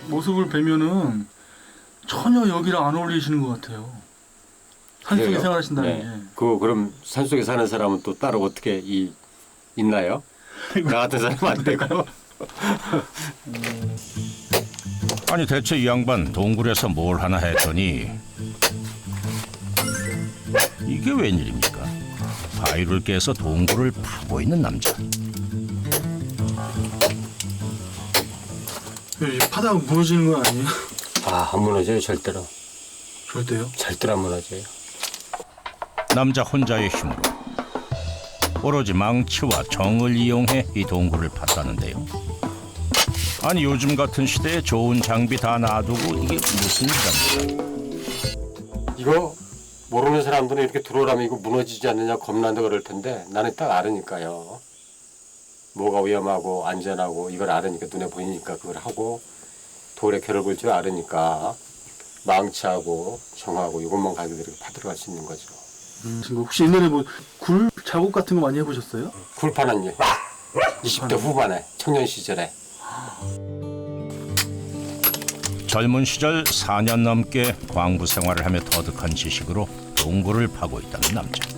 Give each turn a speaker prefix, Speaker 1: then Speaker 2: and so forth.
Speaker 1: 모습을 뵈면은 전혀 여기랑 안 어울리시는 것 같아요. 산속에
Speaker 2: 그래요?
Speaker 1: 생활하신다는 게.
Speaker 2: 그럼 산속에 사는 사람은 또 따로 어떻게 있나요? 나 같은 사람 안 되고.
Speaker 3: 아니 대체 이 양반 동굴에서 뭘 하나 했더니 이게 웬일입니까? 바위를 깨서 동굴을 파고 있는 남자.
Speaker 1: 파다가 무너지는 건 아니에요?
Speaker 2: 안 무너져요, 절대로.
Speaker 1: 절대요?
Speaker 2: 절대로 안 무너져요.
Speaker 3: 남자 혼자의 힘으로 오로지 망치와 정을 이용해 이 동굴을 팠다는데요. 아니 요즘 같은 시대에 좋은 장비 다 놔두고 이게 무슨 일입니까?
Speaker 2: 이거 모르는 사람들은 이렇게 들어오라면 이거 무너지지 않느냐 겁난다 그럴 텐데 나는 딱 알으니까요. 뭐가 위험하고 안전하고 이걸 알으니까 눈에 보이니까 그걸 하고 돌에 결을 볼 줄 알으니까 망치하고 정하고 이것만 가지고 이렇게 파들어갈 수 있는 거죠.
Speaker 1: 지금 혹시 옛날에 뭐 굴 작업 같은 거 많이 해보셨어요?
Speaker 2: 굴파는 일. 20대 후반에 청년 시절에.
Speaker 3: 젊은 시절 4년 넘게 광부 생활을 하며 터득한 지식으로 동굴을 파고 있다는 남자.